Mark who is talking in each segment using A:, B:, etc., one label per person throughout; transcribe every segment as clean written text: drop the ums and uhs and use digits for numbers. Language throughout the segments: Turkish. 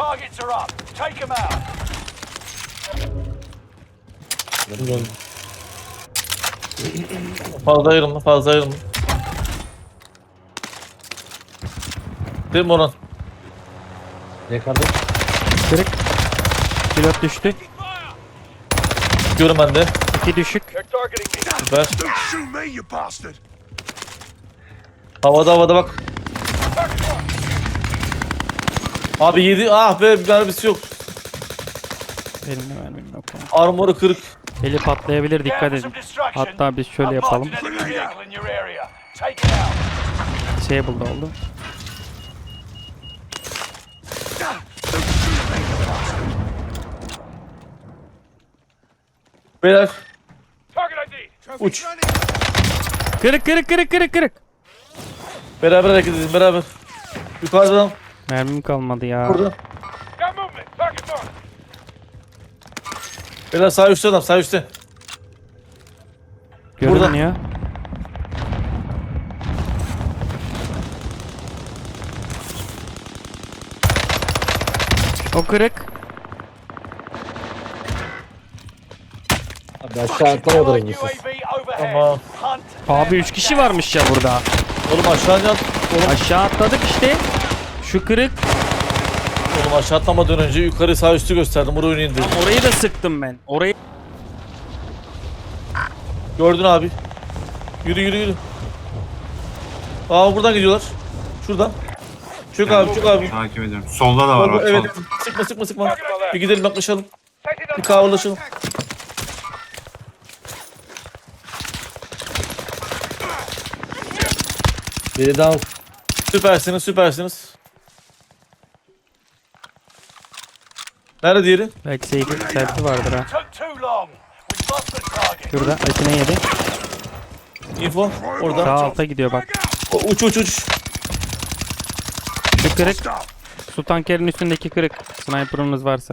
A: targets are up. Take them out.
B: Fazla ayrılma, fazla ayrılma. Değil mi Orhan?
C: Yakaladım.
D: Kırık. Pilot düştü.
B: Çıkıyorum ben de.
D: 2 düşük.
A: They're targeting me.
B: Süper.
A: Don't shoot me, you bastard.
B: Havada bak. Abi 7. Ah be, bir mermisi yok.
D: Elimde mermim yok.
B: Armoru kırık.
D: Eli patlayabilir, dikkat edin. Hatta biz şöyle yapalım. Disable oldu.
B: Beyler
A: Target ID.
B: uç.
D: Kırık.
B: Beraber hareket edin, beraber. Yukarıdan.
D: Mermim kalmadı ya.
B: Burada.
A: Got movement. Target mark.
B: Beyler sağ üstte adam, sağ üstte.
D: Görünmüyor. O kırık.
C: Abi aşağı atlamadı rengitsiz.
B: Tamam.
D: Abi 3 kişi varmış ya burada.
B: Oğlum aşağı at.
D: Aşağı atladık işte. Şu kırık.
B: Oğlum aşağı atlamadan önce yukarı sağ üstü gösterdim. Oraya indir.
D: Orayı da sıktım ben. Orayı.
B: Gördün abi. Yürü. Aa buradan gidiyorlar. Şuradan. Çök abi, çök abi.
E: Takip ediyorum. Solda da var bak.
B: Evet.
E: sol.
B: Sıkma. Bir gidelim yaklaşalım. Bir kahveleşelim.
C: Biri down.
B: Süpersiniz. Nerede diğeri?
D: Belki selfie vardır ha.
A: Took too long. We lost the target.
D: Şurada Akine yedi.
B: Info. Orada.
D: Sağ alta gidiyor bak.
B: Uç.
D: Şu kırık. Su tankerin üstündeki kırık. Sniper'ımız varsa.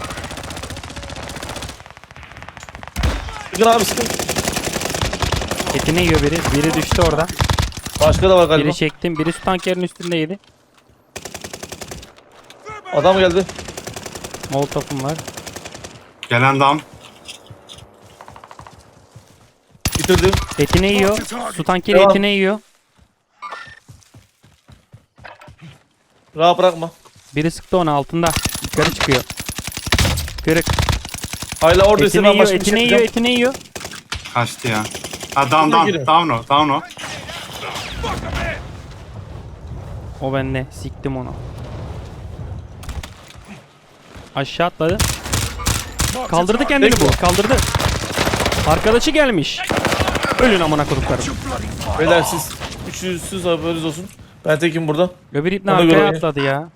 B: Sıkın abi sıkın.
D: Etini yiyor biri. Biri düştü orada.
B: Başka da var galiba.
D: Biri çektim. Biri su tankerin üstündeydi.
B: Adam geldi.
D: Molotov'um var.
E: Gelen dam.
B: Bitirdim.
D: Etini yiyor. Su tankeri
B: Devam.
D: etini yiyor.
B: Rahat bırakma.
D: Biri sıktı onu altında. Yukarı çıkıyor. Kırık.
B: Hala oradaysa
D: Etini
B: ben
D: yiyor,
B: başka bir şey
D: etini yiyor,
B: yapacağım.
D: etini yiyor.
E: Kaçtı ya. Ha down
B: Şuna girin.
E: down o.
D: O bende. Siktim onu. Aşağı atladı. Kaldırdı kendini bu. Kaldırdı. Arkadaşı gelmiş. Ölün amına koduklarım.
B: Beyler siz üçüncüsüz haberiniz olsun. Ben tekim burada.
D: Öbür ipne
B: Ona
D: arkaya
B: göre-
D: atladı ya.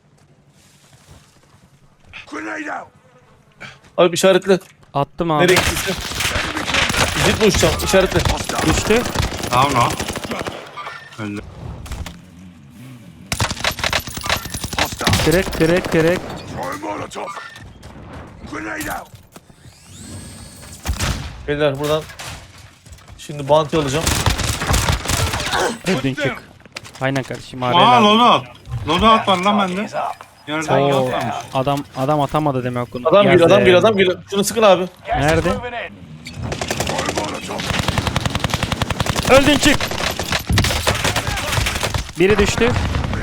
A: Grenade out.
B: Abi işaretle.
D: Attım abi.
B: Nereye gittiyse. Zip mi uçacağım? İşaretle.
D: Düştü.
E: Down o. Öldü.
D: Kırık.
A: Throw a Molotov. Grenade out.
B: Beyler buradan. Şimdi bounty alacağım.
D: Öldün çık. Aynen kardeşim.
E: Aa
D: Arena.
E: loadout. Loadout var lan bende.
A: Is up.
E: Yerden
D: Oo,
E: yok varmış.
D: adam atamadı demek onu.
B: Adam geliyor,
D: Yazdı.
B: adam geliyor. Şunu sıkın abi.
A: Gas is
D: Nerede?
A: moving in. Throw a Molotov.
D: Öldün çık. Biri düştü.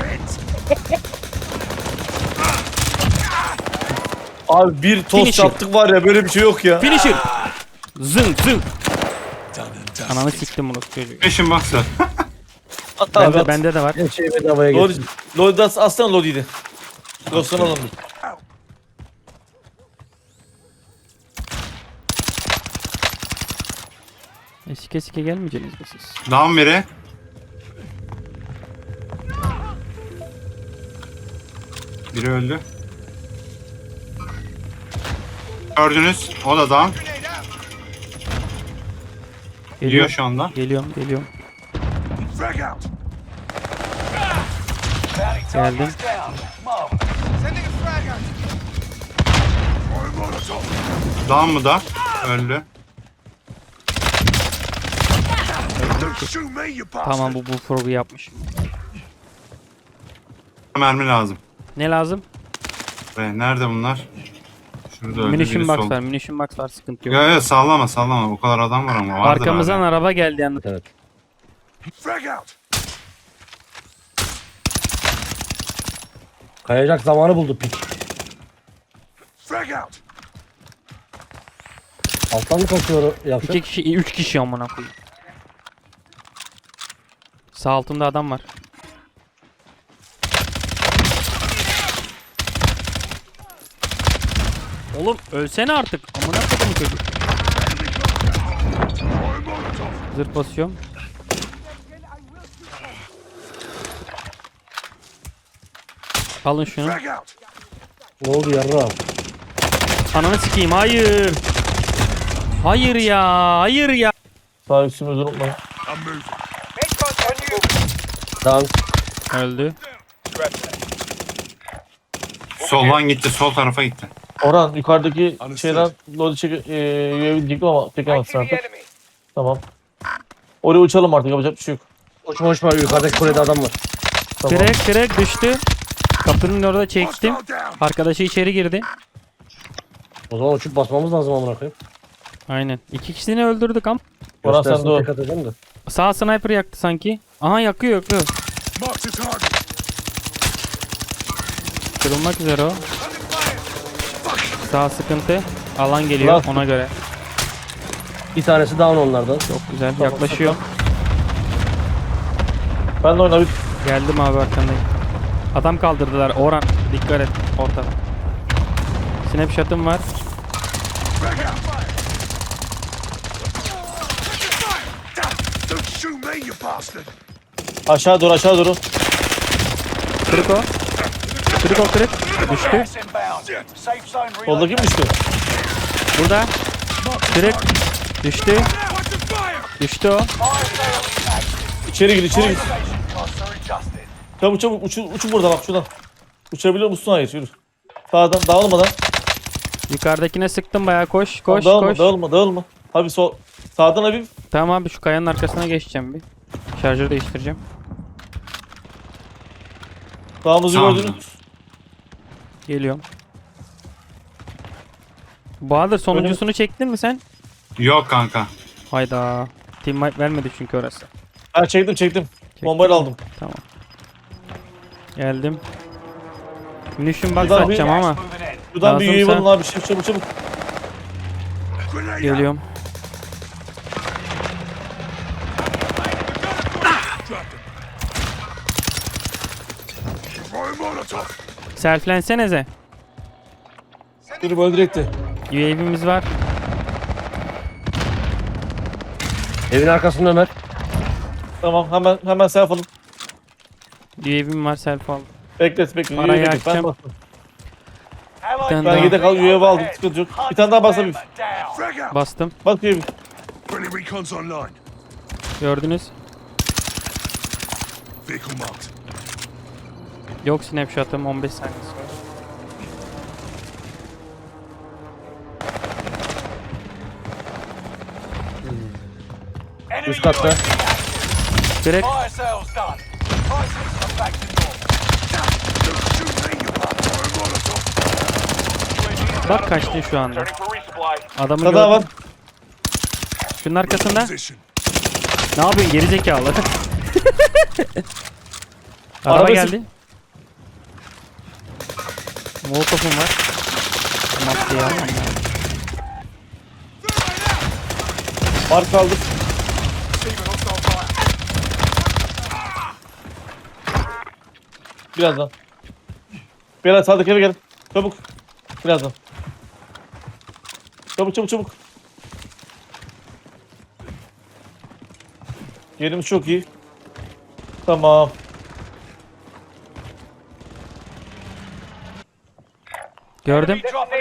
B: Abi bir tost
D: Finisher.
B: yaptık var ya, böyle bir şey yok ya.
D: Finisher. Zın. Ananı siktim bunu çocuğu.
E: Peşin baksa.
B: At abi at.
D: Bende de var.
C: Her şeyi bedavaya
B: Lodi,
C: getirdim.
B: Lodi aslan Lodi'ydi. Dosttan alalım.
D: Sike gelmeyeceksiniz mi siz?
E: Down biri. Biri öldü. Gördünüz. O da down. Geliyor şu anda.
D: Geliyorum.
A: Frag out.
D: Geldim.
A: Down. Mark. Sending a frag out. Throw a Molotov.
E: Down mı da? Öldü.
A: Don't shoot me, you bastard.
D: Tamam bu frog'u yapmış.
E: Mermi lazım.
D: Ne lazım?
E: Be, nerede bunlar? Şurada öldü
D: Munition
E: biri
D: box
E: sol.
D: var. Munition box var. Sıkıntı yok.
E: Ya ya sallama sallama. Bu kadar adam var ama vardır
D: Arkamızdan
E: abi.
D: araba geldi yalnız.
C: Evet.
A: Frag out.
C: Kayacak zamanı buldu pik.
A: Frag out.
C: Alttan mı kaçıyor yapacak?
D: 2 kişi, 3 kişi amına koyayım. Sağ altımda adam var. Oğlum ölsene artık. Amına koyayım çocuk. Zırh basıyorum. Alın şunu.
A: Frag out.
C: Ne oldu yarra?
D: Ananı sikeyim. Hayır. Hayır ya. Hayır ya.
B: Sağ üstümüzü unutmayın.
A: I'm moving. Headshot on you.
C: Tamam.
D: Öldü.
E: Soldan gitti. Sol tarafa gitti.
B: Orhan yukarıdaki
A: Understood.
B: şeyden lodi çek diyecektim ama çekemezsin
A: Fighting the
B: artık.
A: enemy.
B: Tamam. Oraya uçalım artık, yapacak bir şey yok.
C: Uçma uçma, yukarıdaki kulede adam var.
B: Tamam.
D: Direkt düştü. Kapının orada çektim.
A: Hostile down.
D: Arkadaşı içeri girdi.
C: O zaman uçup basmamız lazım amına koyayım.
D: Aynen. 2 kişisini öldürdük ama.
B: Orhan sen de
C: Göstersin
B: o.
C: tek atacağım da.
D: Sağ sniper yaktı sanki. Aha yakıyor yakıyor.
A: Mark the target.
D: Kırılmak üzere o.
A: Under fire.
D: Sağ sıkıntı. Alan geliyor
B: Lan.
D: ona göre.
C: Bir tanesi down onlardan.
D: Çok güzel yaklaşıyor.
B: Ben de oyna bir.
D: Geldim abi arkandayım. Adam kaldırdılar. Orhan dikkat et ortada. Snapshot'ım var.
A: Frag out. Don't shoot me, you bastard.
B: Aşağı doğru, aşağı doğru.
D: Kırık o. Kırık o kırık. Düştü.
B: Soldaki mi düştü?
D: Burada. Kırık. Düştü.
A: Watch the fire.
D: Düştü o.
B: İçeri gir, içeri gir. Çabuk çabuk uçun burada bak şuradan. Uçabiliyor musun? Hayır, yürü. Sağdan dağılmadan.
D: Yukarıdakine sıktım bayağı koş koş
B: Dağılma,
D: koş.
B: dağılma, dağılma. Abi sol. Sağdan hafif.
D: Tamam abi şu kayanın arkasına geçeceğim bir. Şarjörü değiştireceğim.
B: Sağımızı
E: Sağ
B: gördünüz.
D: Geliyorum. Bahadır sonuncusunu çektin mi sen?
E: Yok kanka.
D: Hayda. Team wipe vermedi çünkü orası.
B: Ha çektim.
D: Çektin
B: Bombayla
D: mi?
B: aldım.
D: Tamam. Geldim. Munition box
B: Şuradan bir-
D: atacağım ama.
B: Şuradan bir
D: Lazımsa-
B: UAV alın abi. Çabuk çabuk.
A: Grenade out.
D: Geliyorum.
A: Drop him. Throwing Molotov.
D: Selflensenize.
B: Yürü böyle direkti.
D: UAV'miz var.
C: Evin arkasında Ömer.
B: Tamam hemen self alın.
D: UAV'm var self al.
B: Beklet.
D: Parayı
B: UAV beklet. Ben
D: açacağım.
B: bastım.
D: Bir tane
B: Ben
D: daha
B: yedek al UAV aldım. Sıkıntı yok. Bir tane daha bas abi.
A: Frag out.
D: bastım.
B: Bak UAV.
A: Friendly recon's online.
D: Gördünüz.
A: Vehicle marked.
D: Yok snapshot'ım 15 saniyesi var.
C: Üst katta.
D: Direkt
A: Don't shoot me, you bastard. Throwing Molotov.
D: bak kaçtın şu anda. Adamı
B: Bir daha var.
D: gördüm. Şunun arkasında.
A: Position.
D: Ne yapıyorsun geri zekalı? Araba
B: Arabası-
D: geldi. Molotov'um var. Maddeyi almam lazım.
B: Mark aldık.
A: Receiving hostile fire.
B: Birazdan. Biraz sağdaki eve gelin. Çabuk. Birazdan. Çabuk. Yerimiz çok iyi. Tamam.
D: Gördüm.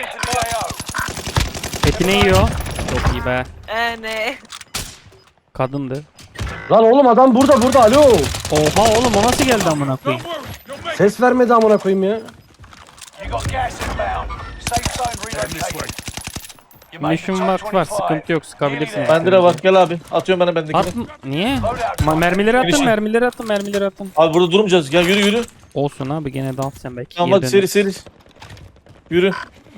D: Etini yiyor. Çok iyi be.
F: Ne?
D: Kadındı.
C: Lan oğlum adam burada alo.
D: Oha oğlum o nasıl geldi amına koyayım?
A: Don't worry. You'll make
C: Ses vermedi amına koyayım ya.
G: You got gas inbound. Safe zone
A: it this way.
G: relocated. You made
D: Munition
G: top
D: box var
G: 25.
D: sıkıntı yok sıkabilirsiniz.
B: Bende de var. Gel abi. Atıyorum ben bendekini.
D: At niye? Mermileri atın,
B: Finishing.
D: mermileri atın.
B: Abi burada durmayacağız. Gel yürü.
D: Olsun abi gene dans sen belki.
B: Tamam
D: geri
B: hadi
D: döneriz.
B: seri. Yürü.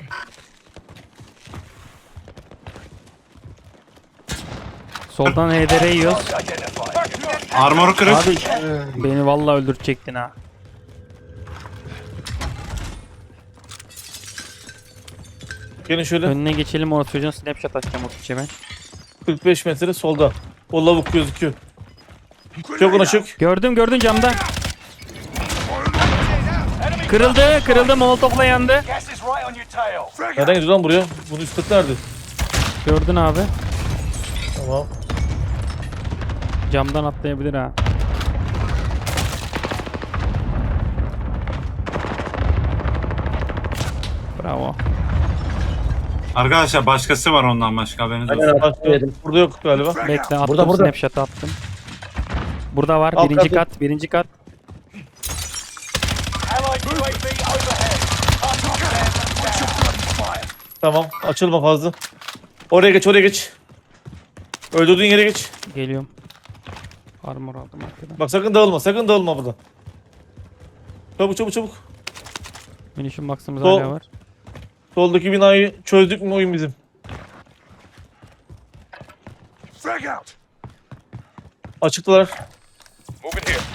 D: Soldan HDR yiyoruz.
G: Identified.
E: Armoru kırık.
D: Abi beni vallahi öldürecektin ha.
B: Gelin şöyle.
D: Önüne geçelim, o çocuğun snapshot atacağım o piçe ben.
B: 45 metre solda. O lavuk gözüküyor. Çok ona çık.
D: Gördüm camda. Kırıldı molotofla yandı.
G: Gas is right on your tail.
A: Frag
B: Nereden gidiyor lan buraya? Bunun üst katı nerede?
D: Gördün abi.
B: Tamam.
D: Camdan atlayabilir ha. Bravo.
E: Arkadaşlar başkası var ondan başka, haberiniz olsun.
C: Aynen
B: Başka-
C: abi. Yedim.
B: Burada yok galiba.
D: Bekle, attım
C: Burada.
D: snapshot attım. Burada var,
B: Alt
D: birinci
B: katı.
D: kat, birinci kat.
G: Allied UAV overhead. Target down.
B: Tamam. Açılma fazla. Oraya geç. Öldürdüğün yere geç.
D: Geliyorum. Armor aldım arkadan.
B: Bak sakın dağılma burada. Çabuk.
D: Munition box'ımız
B: Sol.
D: hala var.
B: Soldaki binayı çözdük mü oyun bizim?
A: Frag out.
B: Açıktılar.
A: Moving here.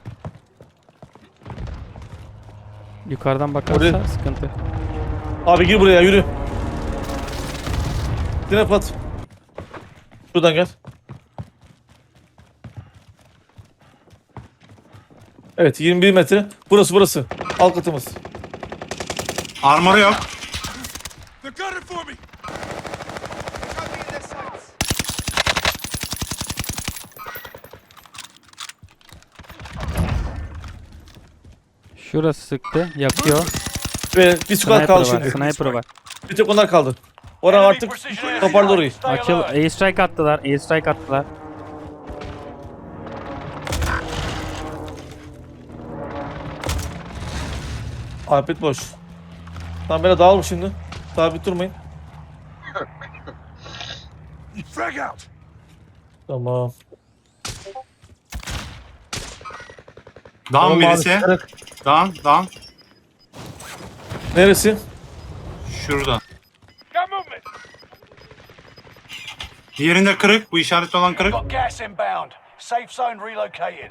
D: Yukarıdan bakarsa
B: Oraya-
D: sıkıntı.
B: Abi gir buraya yürü. Dinle pat. Şuradan gel. Evet 21 metre. Burası. Alt katımız.
E: Armoru yok.
A: They're gunning for me. They got me in their sights.
D: Şurası sıktı, yakıyor.
B: Ve bir squad
D: Sniper
B: kaldı
D: var,
B: şimdi.
D: sniper var.
B: Bir tek onlar kaldı. Oraya
G: Enemy
B: artık
G: precision airstrike.
B: toparla orayı.
G: Stay
D: Açıl,
G: alert.
D: airstrike attılar.
B: Alpet boş. Tamam böyle dağılma şimdi. Sabit durmayın.
A: Frag out.
B: Tamam.
E: Down
C: Tamam abi,
E: birisi.
C: kırık.
E: Down.
B: Neresi?
E: Şurada.
A: Got movement.
E: Diğerinde kırık. Bu işaret olan kırık.
G: Got gas inbound. Safe zone relocated.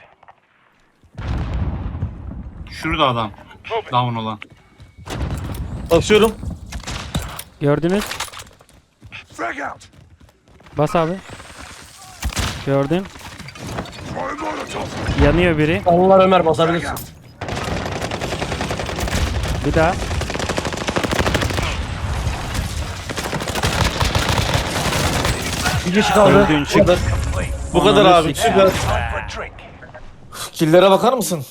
E: Şurada adam. Down olan.
B: Basıyorum.
D: Gördünüz.
A: Frag out.
D: Bas abi. Gördün.
A: Throwing Molotov.
D: Yanıyor biri.
C: Allah Ömer
A: Frag
C: basabilirsin.
A: out.
D: Bir daha.
C: Bir kişi kaldı.
D: Öldüğün çık.
G: Complete.
B: Bu kadar
D: Ananı
B: abi.
D: sikeyim.
B: Süper.
G: Time for a drink.
B: Killere bakar mısın?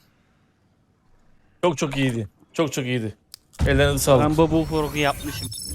B: çok iyiydi. Çok iyiydi. Ellerinize sağlık.
D: Ben bu bullfrog'u yapmışım.